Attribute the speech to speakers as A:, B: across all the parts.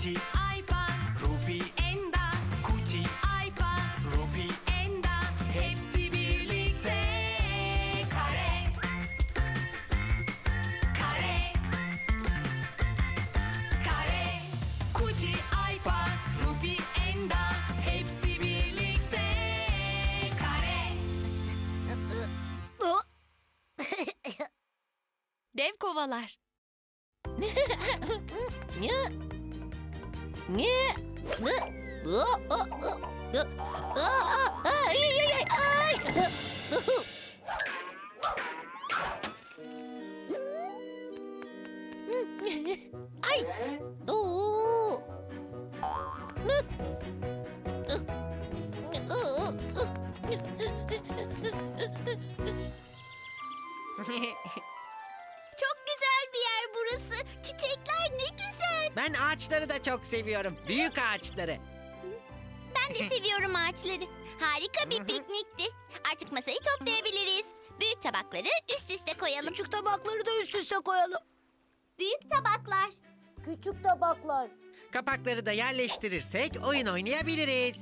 A: Kuti,
B: Aypa,
A: Ruby,
B: Enda,
A: Kuti,
B: Aypa,
A: Ruby.
B: Enda, hepsi birlikte kare. Kare. Kare. Kuti, Aypa, Ruby, Enda, hepsi birlikte kare. Dev kovalar.
C: Ay.
D: Çok güzel bir yer burası. Çiçekler ne güzel.
C: Ben ağaçları da çok seviyorum. Büyük ağaçları.
D: Ben de seviyorum ağaçları. Harika bir piknikti. Artık masayı toplayabiliriz. Büyük tabakları üst üste koyalım.
E: Küçük tabakları da üst üste koyalım.
D: Büyük tabaklar.
E: Küçük tabaklar.
C: Kapakları da yerleştirirsek oyun oynayabiliriz.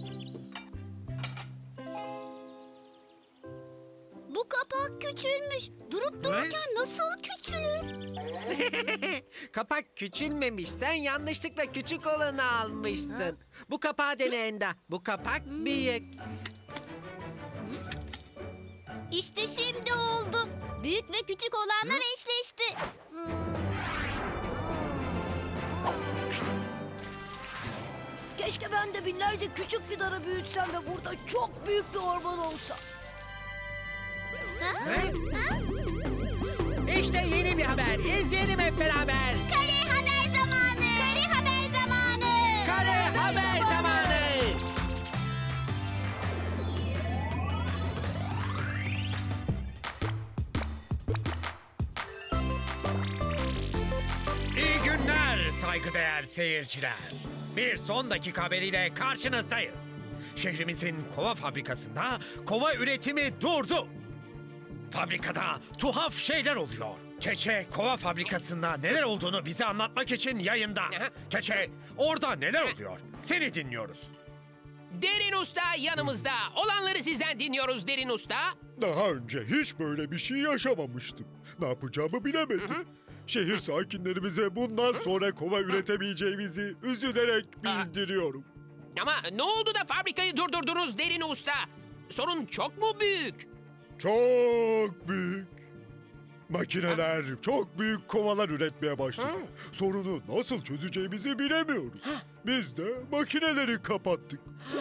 D: Bu kapak küçülmüş. Durup dururken nasıl küçülür?
C: Kapak küçülmemiş. Sen yanlışlıkla küçük olanı almışsın. Bu kapağı dene Enda. Bu kapak büyük.
D: İşte şimdi oldu. Büyük ve küçük olanlar eşleşti.
E: Keşke ben de binlerce küçük fidanı büyütsem ve burada çok büyük bir orman olsa.
C: İşte yeni bir haber. İzleyelim hep beraber.
D: Kare haber zamanı. Kare haber zamanı.
C: Kare haber zamanı.
F: İyi günler saygıdeğer seyirciler. Bir son dakika haberiyle karşınızdayız. Şehrimizin kova fabrikasında kova üretimi durdu. Fabrikada tuhaf şeyler oluyor. Keçe kova fabrikasında neler olduğunu bize anlatmak için yayında. Keçe, orada neler oluyor? Seni dinliyoruz.
G: Derin Usta yanımızda. Olanları sizden dinliyoruz Derin Usta.
H: Daha önce hiç böyle bir şey yaşamamıştım. Ne yapacağımı bilemedim. Şehir sakinlerimize bundan sonra kova üretemeyeceğimizi üzülerek bildiriyorum.
G: Ama ne oldu da fabrikayı durdurdunuz Derin Usta? Sorun çok mu büyük?
H: Çok büyük. Makineler çok büyük kovalar üretmeye başladı. Sorunu nasıl çözeceğimizi bilemiyoruz. Biz de makineleri kapattık.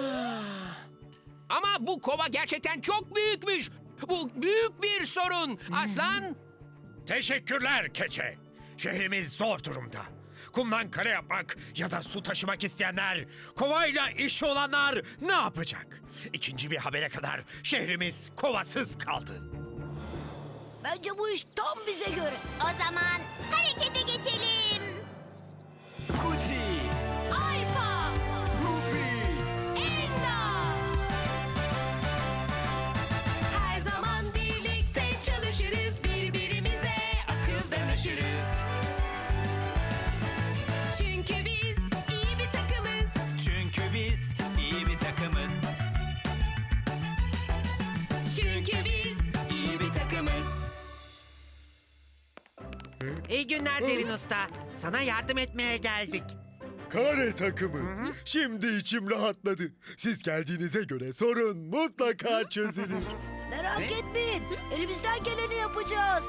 G: Ama bu kova gerçekten çok büyükmüş. Bu büyük bir sorun. Aslan,
F: Teşekkürler Keçe. Şehrimiz zor durumda. Kumdan kale yapmak ya da su taşımak isteyenler, kovayla işi olanlar ne yapacak? İkinci bir habere kadar şehrimiz kovasız kaldı.
E: Bence bu iş tam bize göre.
D: O zaman harekete geçelim.
A: Kuti,
B: Aypa,
A: Ruby.
B: Enda. Her zaman birlikte çalışırız, birbirimize akıl danışırız. Çünkü biz iyi bir takımız.
A: Çünkü biz iyi bir takımız.
B: Çünkü biz iyi bir takımız.
C: İyi günler Derin Usta. Sana yardım etmeye geldik.
H: Kare takımı. Şimdi içim rahatladı. Siz geldiğinize göre sorun mutlaka çözülür.
E: Merak etmeyin. Elimizden geleni yapacağız.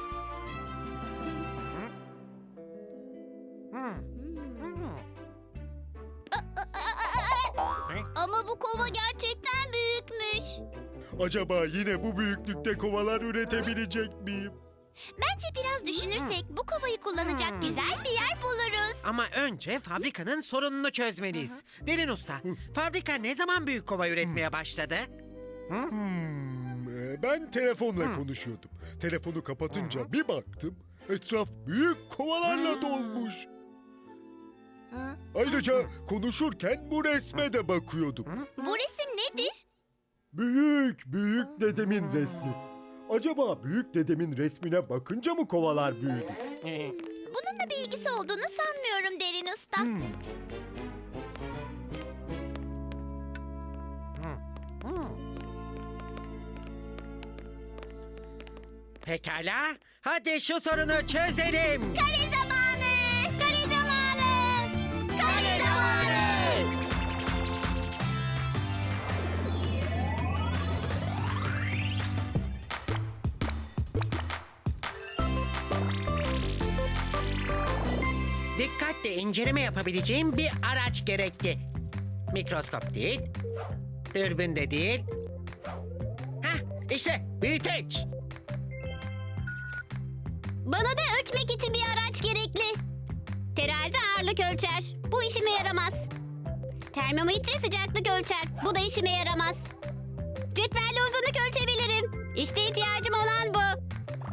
D: Ama bu kova gerçekten büyükmüş.
H: Acaba yine bu büyüklükte kovalar üretebilecek miyim?
D: Bence biraz düşünürsek bu kovayı kullanacak güzel bir yer buluruz.
C: Ama önce fabrikanın sorununu çözmeliyiz. Derin Usta, fabrika ne zaman büyük kova üretmeye başladı?
H: Ben telefonla konuşuyordum. Telefonu kapatınca bir baktım, etraf büyük kovalarla dolmuş. Ayrıca konuşurken bu resme de bakıyordum.
D: Bu resim nedir?
H: Büyük dedemin resmi. Acaba büyük dedemin resmine bakınca mı kovalar büyüdü?
D: Bununla bir ilgisi olduğunu sanmıyorum Derin Usta.
C: Pekala. Hadi şu sorunu çözelim.
D: Kare zamanı! Kare zamanı! Kare zamanı!
C: Dikkatle inceleme yapabileceğim bir araç gerekti. Mikroskop değil, dürbün de değil. Hah, işte büyüteç.
D: Bana da ölçmek için bir araç gerekli. Terazi ağırlık ölçer. Bu işime yaramaz. Termometre sıcaklık ölçer. Bu da işime yaramaz. Cetvelle uzunluk ölçebilirim. İşte ihtiyacım olan bu.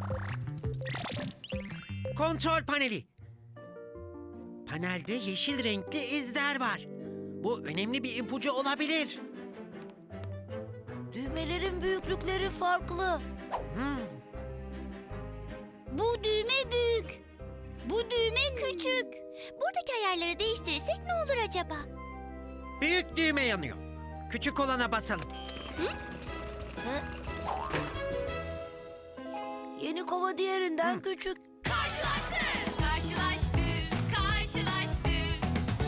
C: Kontrol paneli. Panelde yeşil renkli izler var. Bu önemli bir ipucu olabilir.
E: Düğmelerin büyüklükleri farklı.
D: Bu düğme büyük. Bu düğme küçük. Buradaki ayarları değiştirirsek ne olur acaba?
C: Büyük düğme yanıyor. Küçük olana basalım.
E: Yeni kova diğerinden küçük.
B: Karşılaştır, karşılaştır, karşılaştır.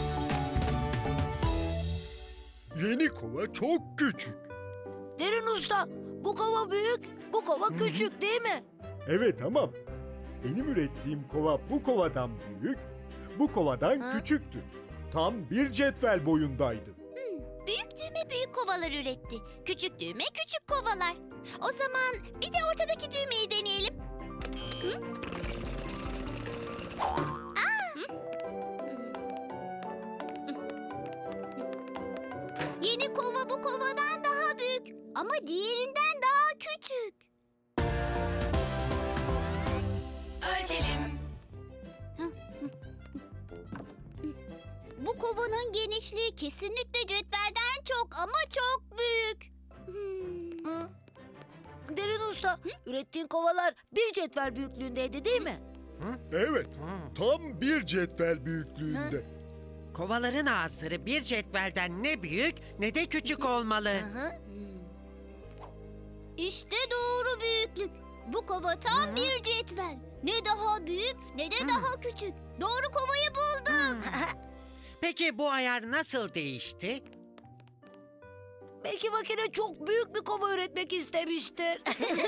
H: Yeni kova çok küçük.
E: Derin usta, bu kova büyük, bu kova küçük değil mi?
H: Evet ama benim ürettiğim kova bu kovadan büyük, bu kovadan küçüktü. Tam bir cetvel boyundaydı.
D: Büyük düğme büyük kovalar üretti. Küçük düğme küçük kovalar. O zaman bir de ortadaki düğmeyi deneyelim. Yeni kova bu kovadan daha büyük ama diğerinden daha küçük.
B: Ölçelim.
D: Bu kovanın genişliği kesinlikle cetvelden çok ama çok büyük.
E: Derin usta, ürettiğin kovalar bir cetvel büyüklüğündeydi değil mi?
H: Evet, tam bir cetvel büyüklüğünde.
C: Kovaların ağızları bir cetvelden ne büyük ne de küçük olmalı.
D: İşte doğru büyüklük. Bu kova tam bir cetvel. Ne daha büyük ne de daha küçük. Doğru kovayı buldum.
C: Peki bu ayar nasıl değişti?
E: Belki makine çok büyük bir kova üretmek istemiştir.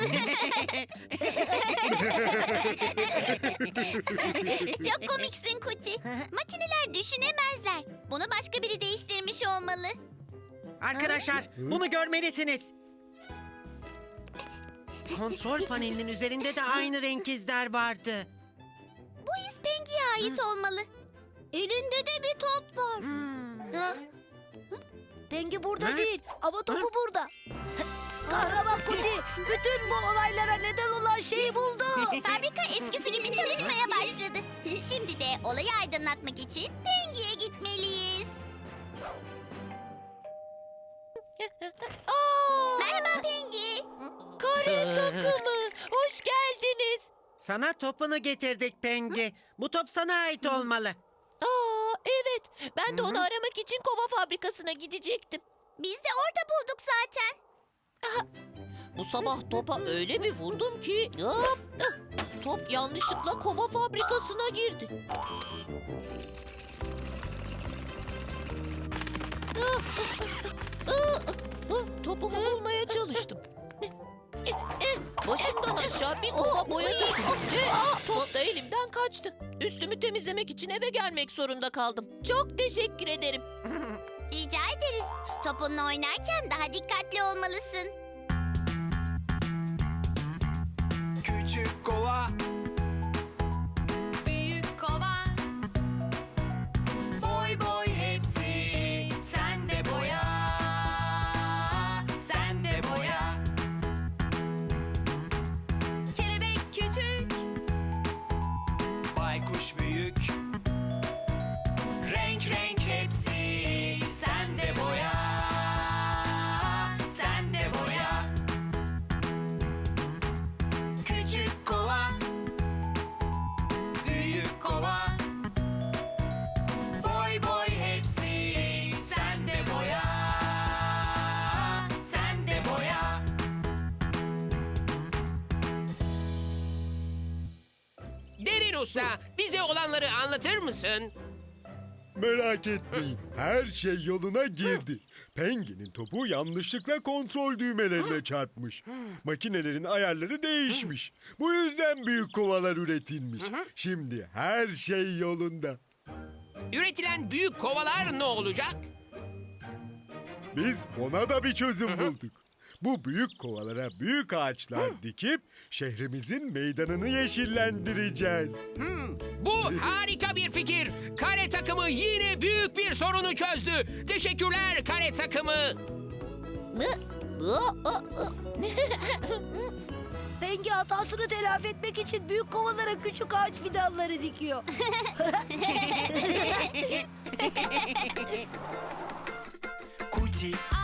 D: Çok komiksin Kuti. Makineler düşünemezler. Bunu başka biri değiştirmiş olmalı.
C: Arkadaşlar bunu görmelisiniz. Kontrol panelinin üzerinde de aynı renk izler vardı.
D: Bu iz Pengi'ye ait olmalı. Elinde de bir top var.
E: Ha? Pengi burada
C: Ha?
E: değil ama topu burada. Kahraman Kuti bütün bu olaylara neden olan şeyi buldu.
D: Fabrika eskisi gibi çalışmaya başladı. Şimdi de olayı aydınlatmak için Pengi'ye gitmeliyiz. Merhaba Pengi.
E: Kare takımı hoş geldiniz.
C: Sana topunu getirdik Pengi. Bu top sana ait olmalı.
E: Aa evet ben de onu aramak için kova fabrikasına gidecektim.
D: Biz de orada bulduk zaten.
E: Bu sabah topa öyle bir vurdum ki hop, top yanlışlıkla kova fabrikasına girdi. Topumu bulmaya çalıştım. Başımdan aşağı bir kova boya dökülünce top da elimden kaçtı. Üstümü temizlemek için eve gelmek zorunda kaldım. Çok teşekkür ederim.
D: Rica ederiz. Topunla oynarken daha dikkatli olmalısın.
A: Küçük kova,
B: Büyük kova. Boy boy hepsi. Sen de boya. Sen de boya. Kelebek küçük.
A: baykuş büyük. Renk renk hepsi. Sen de boya. Sen de boya. Küçük kova,
G: Usta, bize olanları anlatır mısın?
H: Merak etmeyin, her şey yoluna girdi. Penguin'in topu yanlışlıkla kontrol düğmelerine çarpmış. Makinelerin ayarları değişmiş. Bu yüzden büyük kovalar üretilmiş. Şimdi her şey yolunda.
G: Üretilen büyük kovalar ne olacak?
H: Biz ona da bir çözüm bulduk. Bu büyük kovalara büyük ağaçlar dikip şehrimizin meydanını yeşillendireceğiz.
G: Bu harika bir fikir. Kare takımı yine büyük bir sorunu çözdü. Teşekkürler kare takımı.
I: Pengi hatasını telafi etmek için büyük kovalara küçük ağaç fidanları dikiyor.
A: Kuti